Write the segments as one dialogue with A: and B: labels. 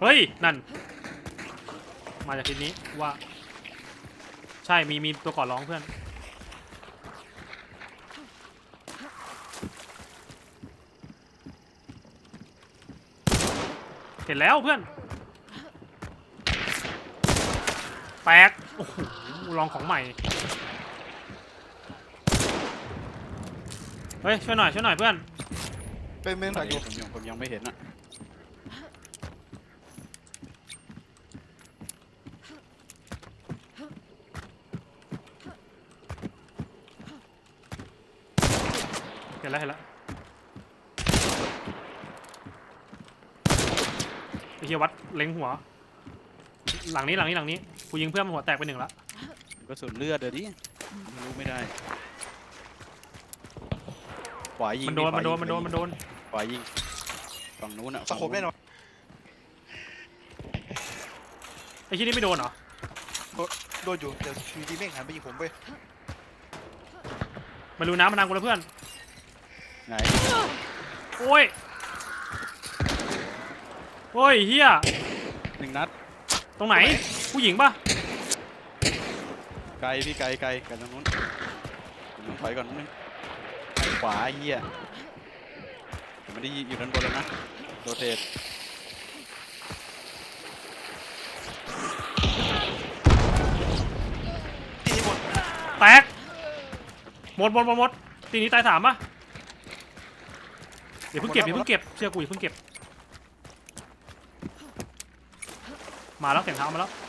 A: เฮ้ยนั่นมาจากทิศนี้ว่าใช่มีตัวก่อนร้องเพื่อนเห็นแล้วเพื่อนแตกโอ้โหลองของใหม่เฮ้ยช่วยหน่อยเพื่อน
B: เป็นเมืองดักอยู่
C: ผมยังไม่เห็นอ่ะ
A: เห็นแล้วไอ้เหี้ยวัดเล็งหัวหลังนี้กูยิงเพื่อนมันหัวแตกไปหนึ่งละ
C: ก็สุดเลือดเดี๋ยวดิรู้ไม่ได้ขวายิง
A: มันโดน
C: ขวายิงฝั่งนู้นอ่ะ
B: สะโขบแน่นอน
A: ไอ้ที่นี่ไม่โดนเหรอ
B: โดนอยู่เดี๋ยวทีดีเม่งหันไปยิงผมไป
A: มารู้น้ำมันดังกูแล้วเพื่อน
C: ไหน
A: โอ้ยเฮีย
C: 1 นัด
A: ตรงไหนผู้หญิงปะ
C: ไกลพี่ไกลตรงนู้นผมถอยก่อนนึงขวาเหี้ยผมไม่ได้อยู่ด้านบนแล้วนะโรเตท
B: ตีหมด
A: แตกหมดตีนี้ตาย3ปะเดี๋ยวเพิ่งเก็บเชื่อกูอย่าเพิ่งเก็บมาแล้วเสียงเท้ามาแล้ว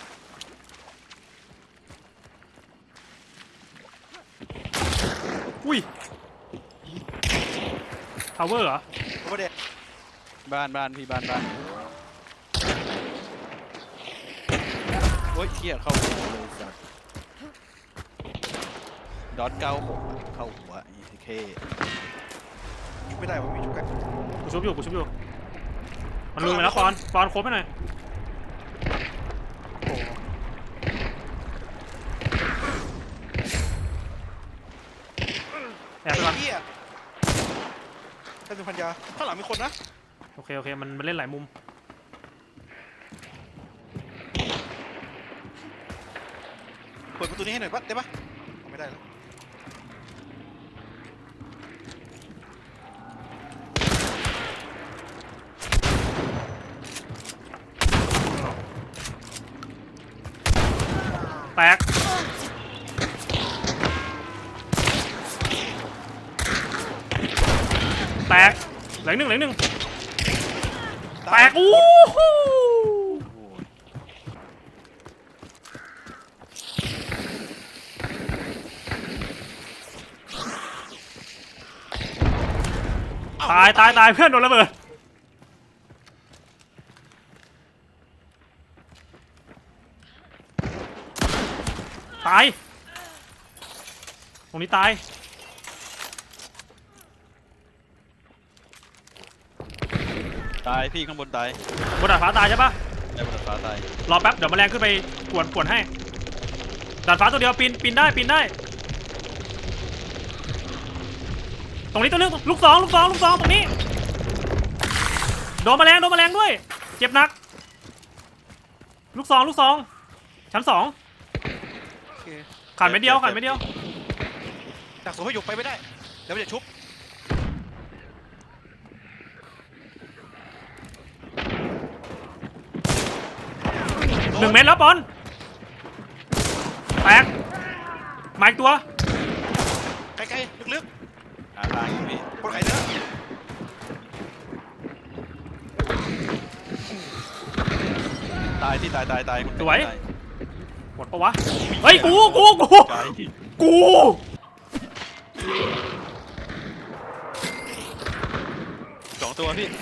A: อุ้ยทาวเวอร์เหรอ
B: โอ้เด็ด
C: บ้านพี่บ้านโอ้ยเหี้ยเข้าหัวเลยสัสดอท96เข้าหัวอีเค
B: ยิงไม่ได้ผมมีชุกกัน
A: กูชุบอยู่มันลุยมาแล้วปอนครบไปหน่อยโอ้แอบไปก่อน
B: เหี้ยท่านเป็นพันยาข้างหลังมีคนนะ
A: โอเคมันเล่นหลายมุม
B: เปิดประตูนี้ให้หน่อยปะได้ปะไม่ได้แล้ว
A: แตกเหลือหนึ่งแตกอู้หูตายเพื่อนโดนระเบิดตายตรงนี้ตาย
C: พี่ข้างบนตาย
A: บนดาดฟ้าตายใช่ปะ
C: ในบนฟ้าตาย
A: รอแป๊บเดี๋ยวแมลงขึ้นไปกวนให้ดาดฟ้าตัวเดียวปีนได้ตรงนี้ตัวนึงลูกสองตรงนี้โดนแมลงด้วยเจ็บหนักลูกสองชั้น 2
B: โอเค
A: ขาดไม่เดียว
B: ดักสูงให้หยกไปไม่ได้เดี๋ยวมันจะชุบ
A: 1 เมตรแล้วปอนแตกมาอีกตัว
B: ไกลๆลึก
C: หาทางอยู่พี่
B: ๆคนไข่เนื้อ
C: ตายมัน
A: สวย
C: ตา
A: หมดปะวะเฮ้ยกู
C: ไกล 2 ตัวพี่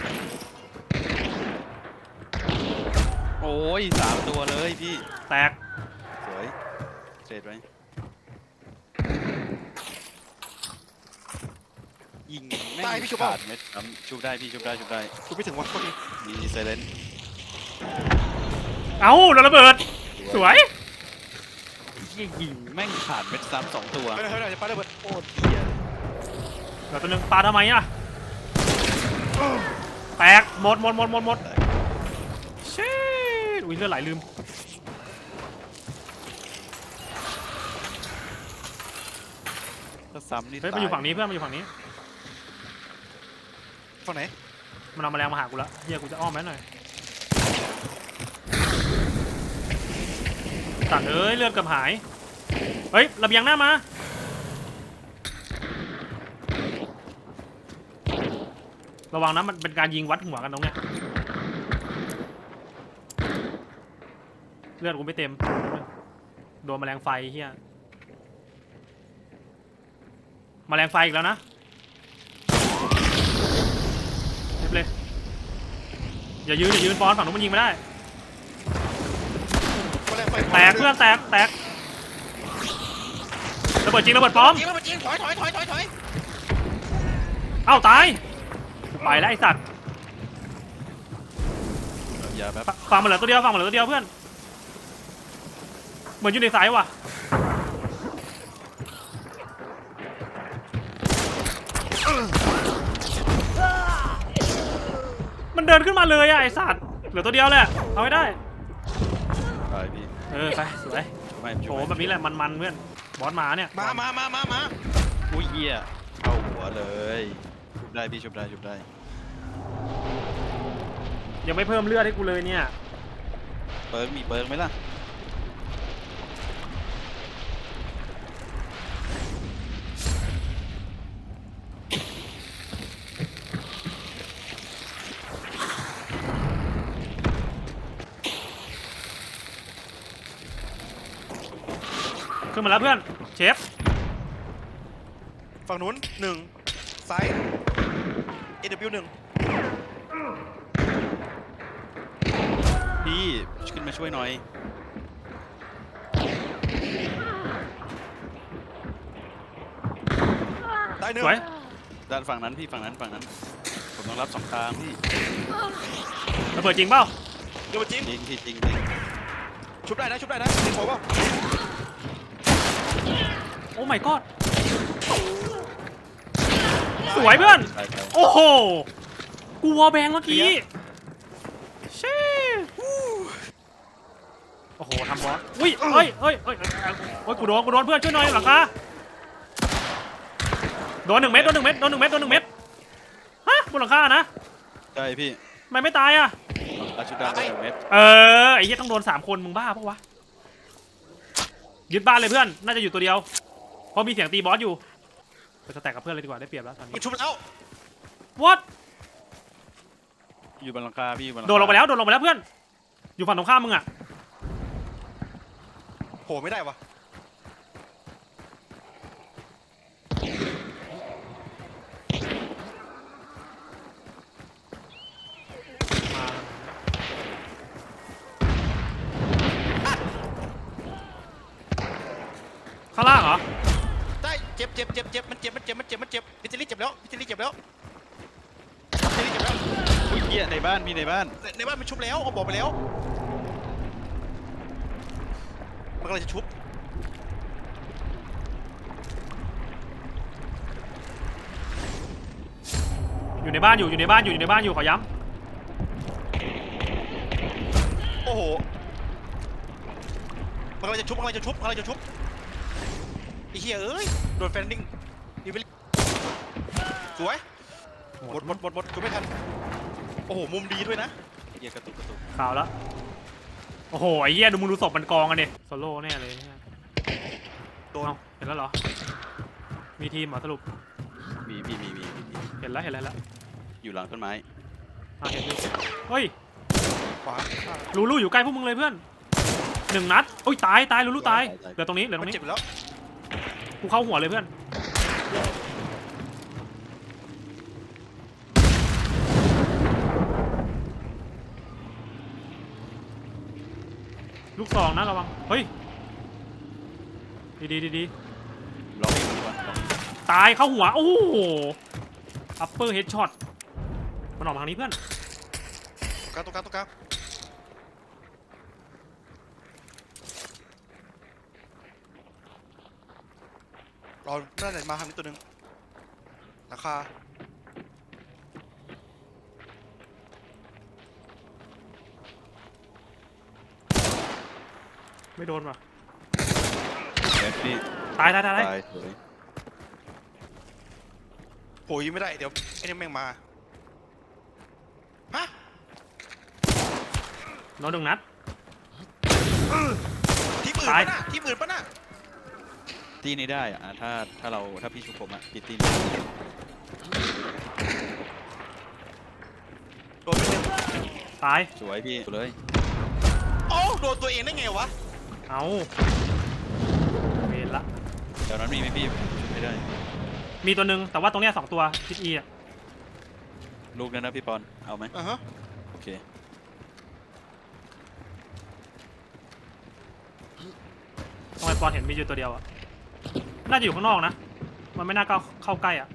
C: โอ้ย3 ตัวเลยพี่
A: แตก
C: สวยเสร็จไหมยิงแม่งขาดเม็ดชุบได้พี่ชุบได้
B: ชุบไม่ถึงวันโทษที
C: มีไซเลน
A: เอ้าโดนระเบิดสวย
C: ยิงแม่งขาดเม็ดซ้ำ2 ตัว
B: เฮ้ยจะปาระเบิดโอ้เหี้ย
A: เหลือตัวนึงปาทำไมอ่ะแตกหมดอุ้ยเลือดไหลลืม
C: ถ้าซ้ำนี่
A: เฮ้ยมันอยู่ฝั่งนี้เพื่อนมันอยู่ฝั่งนี้
B: ฝั่งไหน
A: มันเอาแมลงมาหากูแล้วเฮียกูจะอ้อมแม่หน่อยตัดเอ้ยเลือดเกือบหายเฮ้ยระเบียงหน้ามาระวังนะมันเป็นการยิงวัดหัวกันตรงเนี้ยเลือดกูไม่เต็มโดนแมลงไฟเฮียแมลงไฟอีกแล้วนะเรียบเลยอย่ายืนบอลฝั่งนู้นมันยิงไม่ได้
B: แมลงไฟ
A: แตกเพื่อนแตกระเบิดจริงระเบิดปลอม
B: ยิงแล้วมันยิงถอย
A: เอ้าตายไปแล้วไอสัตว์
C: อย่าแบบ
A: ฝั่งมันเหลือตัวเดียวเพื่อนเหมือนอยู่ในสายว่ะมันเดินขึ้นมาเลยอะไอสัตว์เหลือตัวเดียวแหละเอาให้ได้
C: ตายพี่
A: ไปสวย
C: ไม่
A: โถแบบนี้แหละมันเพื่อนบอสมาเนี่ย
B: มา
C: อุ้ยเหี้ยเข้าหัวเลยชุบได้พี่ชุบได้
A: ยังไม่เพิ่มเลือดให้กูเลยเนี่ย
C: เปิร์กมีเปิร์กไหมล่ะ
A: ขึ้นมาแล้วเพื่อนเชฟ
B: ฝั่งนู้น1ซ้าย AW 1
C: พี่ขึ้นมาช่วยหน่อย
B: ตายหนึ่ง
A: สวย
C: ด้านฝั่งนั้นพี่ฝั่งนั้นผมต้องรับสองทางพี่
A: ระเบิดจริงเปล่า
B: เดี๋ยวมาจิ้ม
C: จริงพี่จริง
B: ชุบได้นะยิงผมว่า
A: โอ้ my god สวยเพื่อน
C: ใช่
A: โอ้โห กูวอลแบงเมื่อกี้เช่โอ้โหทำบอสอุ้ยเอ้ยกูโดนเพื่อนช่วยหน่อยหลังคาโดน1 เม็ดฮะบนหลังคานะ
C: ใช่พี่
A: ทำไมไม่ตายอ่ะ
C: อาชุดดำไป1 เม็ด
A: ไอ้เหี้ยต้องโดน3 คนมึงบ้าปะวะยึดบ้านเลยเพื่อนน่าจะอยู่ตัวเดียวเพราะมีเสียงตีบอสอยู่ไปสแต็กกับเพื่อนเลยดีกว่าได้เปรียบแล้วตอนนี้
B: มันชุบแล้ว
A: what
C: อยู่บนหลังคาพี่อยู่บนหลังคา
A: โดนลงไปแล้วเพื่อนอยู่ฝั่งตรงข้ามมึงอ่ะ
B: โหไม่ได้วะ
A: ข้างล่างเหรอ
B: ได้เจ็บมันเจ็บพิจิลี่เจ็บแล้ว
C: อุ้ยเหี้ยในบ้านในบ้าน
B: ในบ้านมันชุบแล้วเขาบอกไปแล้วมันกำลังจะชุบ
A: อยู่ในบ้านอยู่ขอย้
B: โอ้โหมันกำลังจะชุบไอ้เหี้ยเอ้ยโดนแฟนดิ้งดีไปสวย
A: ำ
B: หมดชุบไม่ทันโอ้โหมุมดีด้วยนะ
C: เหี้ยกระตุก
A: ข่าวแล้วโอ้โหไอ้เหี้ยดูมึงดูศพมันกองกันดิโซโล่แน่เลยเนี่ย
B: โดน
A: เอ้าเห็นแล้วเหรอมีทีมเหรอสรุป
C: มี
A: เห็นแล้ว
C: อยู่หลังต้นไม้
A: เห็นอยู่เฮ้ย
B: ขวา
A: ลูลูอยู่ใกล้พวกมึงเลยเพื่อน1 นัดโอ้ยตายลูลูตายเหลือตรงนี้
B: มันเจ็บแล้ว
A: กูเข้าหัวเลยเพื่อนลูก 2นะระวังเฮ้ยดี
C: ล็อกเองดีกว่าล็อก
A: ตายเข้าหัวโอ้โหอัปเปอร์เฮดช็อตมันออกมาทางนี้เพื่อน
B: ตรงกลางรอน่าจะมาทางนี้ตัวหนึ่งราคา
A: ไม่โดนว่ะ
C: เม็ดพี่
A: ตาย
C: ตายสวย
B: โหยิงไม่ได้เดี๋ยวไอ้นี่แม่งมาฮะ
A: โดนหนึ่งนัด
B: ทีมอื่น
A: ตาย
B: ปะน่ะทีมอื่นปะน่ะ
C: ตีนี้ได้อะถ้าพี่ชุบผมอะพี่ตีนี้
B: โดนไปหนึ่ง
A: ตาย
C: สวยพี่เลย
B: โอ้โดนตัวเองได้ไงวะ
A: เอาเวรละ
C: เดี๋ยวนั้นมีไหมพี่ชุบไม่ได้
A: มีตัวหนึ่งแต่ว่าตรงเนี้ย2ตัวทิศอีอะ
C: ลูกนั้นนะพี่ปอนเอาไหม
B: อ่าฮะ
C: โอเค
A: ทำไมปอนเห็นมีอยู่ตัวเดียวอะน่าจะอยู่ข้างนอกนะมันไม่น่าเข้าใกล้อะ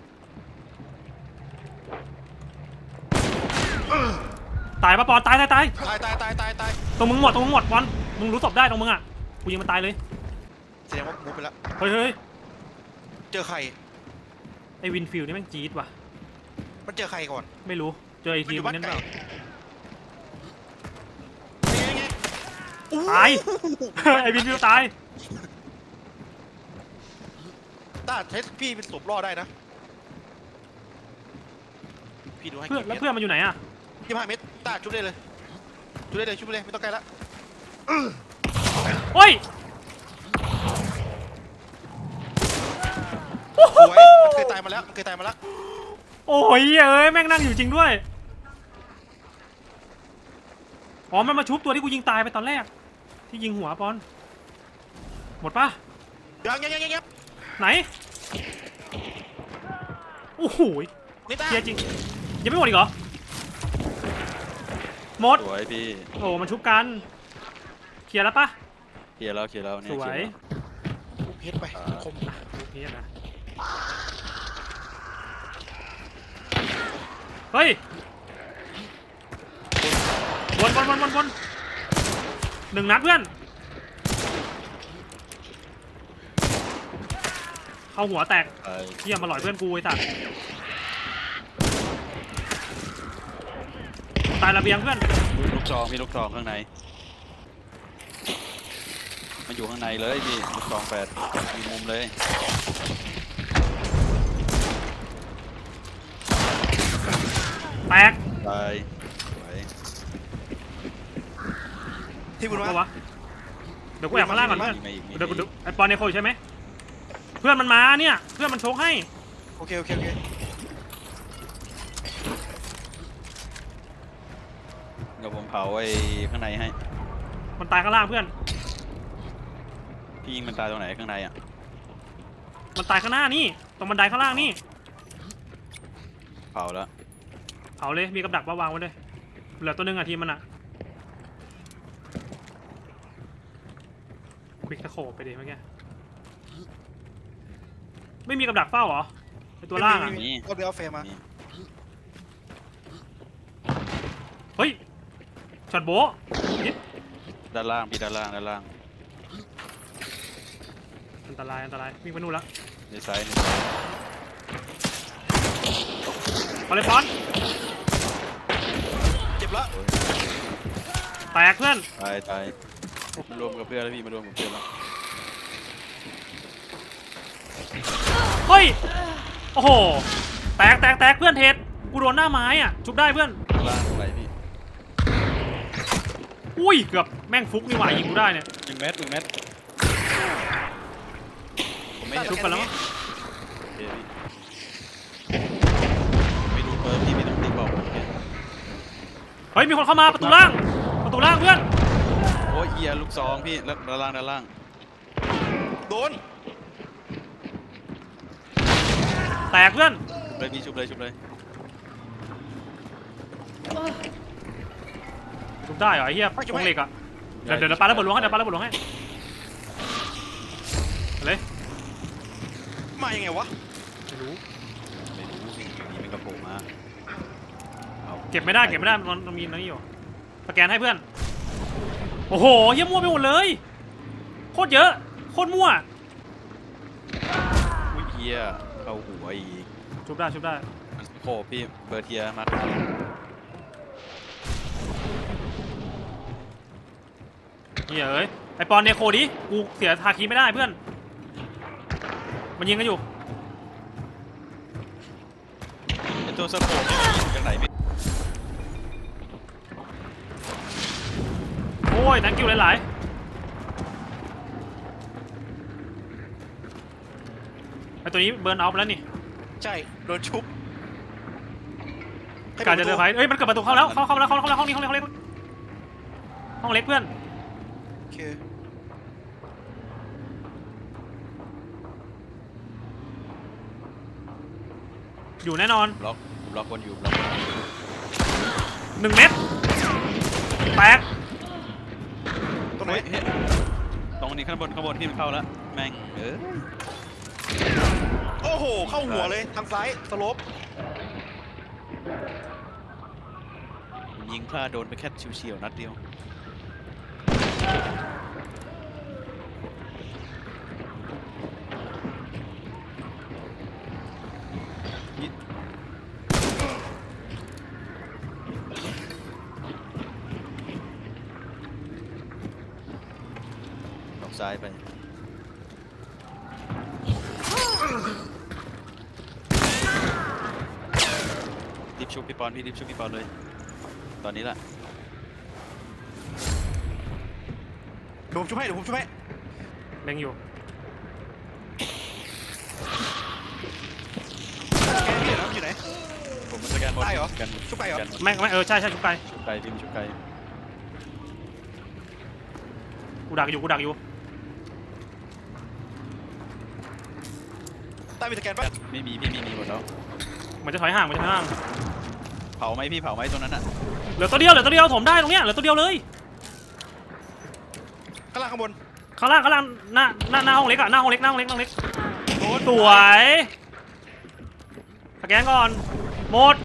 A: ตายปะปอนตาย
B: ตาย
A: ตรงมึงหมดปอนมึงรู้ศพได้ตรงมึงอะกูยิงมันตายเลย
B: แสดงว่ามูฟไปแล้ว
A: เฮ้ย
B: เจอใคร
A: ไอวินฟิลด์นี่แม่งจี๊ดว่ะ
B: มันเจอใครก่อน
A: ไม่รู้เจอไอ
B: มัน
A: ที
B: อ
A: ม
B: ยู่บ้าน
A: นั้น
B: ไก
A: เป
B: ล
A: ล่า
B: ไง
A: ตาย ไอวินฟิลด์ตาย
B: ต้าเทสพี่เป็นศพรอดได้นะพี่ดูให้
A: เพื่อน
B: กี่
A: แล้ว
B: เม็ด
A: เพื่อนมันอยู่ไหนอะ
B: 25 เม็ดต้าชุบได้เลยชุบได้เลยไม่ต้องไกลละ
A: เฮ้ย
B: สวยเคยตายมาแล้ว
A: โอ้ยเอ้ยแม่งนั่งอยู่จริงด้วยอ๋อมันมาชุบตัวที่กูยิงตายไปตอนแรกที่ยิงหัวปอนหมดปะ
B: ยัง
A: ไหนโอ้โห
B: นี่ต้า
A: เคลียร์จริงยังไม่หมดอีกเหรอหมด
C: สวยพี่
A: โอ้มันชุบกันเคลียร์แล้วปะ
C: เคลียร์แล้วเนี่ย
A: สวย
B: ทุบเพชรไปคม
A: โอเคนะเฮ้ยวนหนึ่งนัดเพื่อนเข้าหัวแตก
C: ตาย
A: เยี่ยมมาหล่อยเพื่อนกูไอ้สัตว์ตายระเบียงเพื่อน
C: ลูกซองมีลูกซองข้างในมันอยู่ข้างในเลยพี่ลูกซอง8มีมุมเลย
A: แตก
C: ตายสวย
B: ที่บุญ
A: เอา
B: วะ
A: วะเดี๋ยวกูแอบข้างล่างก่อนเพื่อน
C: มีมาอีกมี
A: เดี๋ยวกูดูไอ้ปอนในโคอยู่ใช่ไหมเพื่อนมันมาเนี่ยเพื่อนมันโชกให้
B: โอเค
C: เดี๋ยวผมเผาไอ้ข้างในให้
A: มันตายข้างล่างเพื่อน
C: พี่ยิงมันตายตรงไหนข้างในอ่ะ
A: มันตายข้างหน้านี่ตรงบันไดข้างล่างนี่
C: เผาแล้ว
A: เผาเลยมีกับดักวางไว้เลยเหลือตัวหนึงอะทีมมันอะควิกตะโขบไปดิเมื่อกี้ไม่มีกับดักเฝ้าเหรอไอตัวล่างอะ
C: มี
B: ก็เดี๋ยวเอาเฟรมมา
C: มี
A: เฮ้ยช็อตโบ๊ะนิด
C: ด้านล่างพี่ด้านล่าง
A: อันตรายวิ่งไปนู่นละ
C: ในซ้าย
A: เอาเลยฟอน
B: เจ็บละ
A: แตกเพื่อน
C: ตายมารวมกับเพื่อนแล้วพี่มารวมกับเพื่อนแล้ว
A: เฮ้ยโอ้โหแตกเพื่อนเทสกูโดนหน้าไม้อะชุบได้เพื่อน
C: ข้างล่างตรงไหนพี่
A: อุ้ยเกือบแม่งฟุกนี่หว่ายิงกูได้เนี่ย
C: 1 เม็ดผมไม่เห็น
A: ชุบกันแล้วมั้ง
C: โอเคพี่ไม่รู้เปิร์พี่ไม่ต้องตีบอกผมแค่
A: เฮ้ยมีคนเข้ามาประตูล่างเพื่อน
C: โอ้ยเอียลูกซองพี่แล้วด้านล่าง
B: โดน
A: แตกเพื่อน
C: เลยพี่ชุบเลย
A: ชุบได้เหรอไอ้เหี้ยตรงเหล็กอะเดี๋ยวปาระเบิดลงให้เอาเลย
B: มายังไงวะ
A: ไม่รู้
C: ไม่รู้พี่นี่มันกระโผล่มาเอา
A: เก็บไม่ได้มันมีนี่อยู่สแกนให้เพื่อนโอ้โหเหี้ยมั่วไปหมดเลยโคตรเยอะโคตรมั่ว
C: อุ้ยเอียเข้าหัวอีก
A: ชุบได้
C: มันโผล่พี่เบอร์เทียมา
A: เหี้ยเอ้ยไอปอนเนโคดิกูเสียทาคีไม่ได้เพื่อนมันยิงกันอยู่
C: ไอตัวสโคปนี่มันอยู่จากไหนพี่
A: โอ้ย thank you หลายๆไอตัวนี้เบิร์นเอาไปแล้วนี่
B: ใช่โดนชุบให้
A: การจะ
B: ปิ
A: เจ
B: ด
A: อ
B: ประ
A: ไฟ
B: ตู
A: เอ้ยมันเกิดประตูเข้าแล้วเข้าแล้วห้องนี้ห้องเล็กห้องเล็กเพื่อน
B: โอเค
A: อยู่แน่นอน
C: บล็อกคนอยู่บล็อกคนอยู่
A: 1 เม็ดแตก
B: ตรงไหน
C: เฮ้ยตรงนี้ข้างบนที่มันเข้าแล้วแม่ง
B: โอ้โหเข้าหัวเลยทางซ้ายสโลป
C: ยิงพลาดโดนไปแค่เฉียวๆนัดเดียวออกซ้ายไปรีบชุบพี่ปอนพี่รีบชุบพี่ปอนเลยตอนนี้แหละ
B: เดี๋ยวผมช่วยให้
A: เล็งอยู่
B: แกนี่เหรออยู่ไหน
C: ผมมันสแกนบอล
B: ได้เหรอ
C: สแกน
B: ชุบไก่เหรอ
C: สแกนบอล
A: ไม่ใช่ชุบไกล
C: ชุบไกลพี่มันชุบไกล
A: กูดักอยู่
B: ใต้มีสแกนปะ
C: ไม่มีพี่มีหมดแล้ว
A: มันจะถอยห่าง
C: เผาไหมพี่เผาไหมตรงนั้นอ่ะ
A: เหลือตัวเดียวถมได้ตรงเนี้ยเหลือตัวเดียวเลย
B: ข้างล่างข้างบน
A: ข้างล่างหน้าห้องเล็กอะหน้าห้องเล็ก
B: โดน
A: สวยสแกนก่อนหมด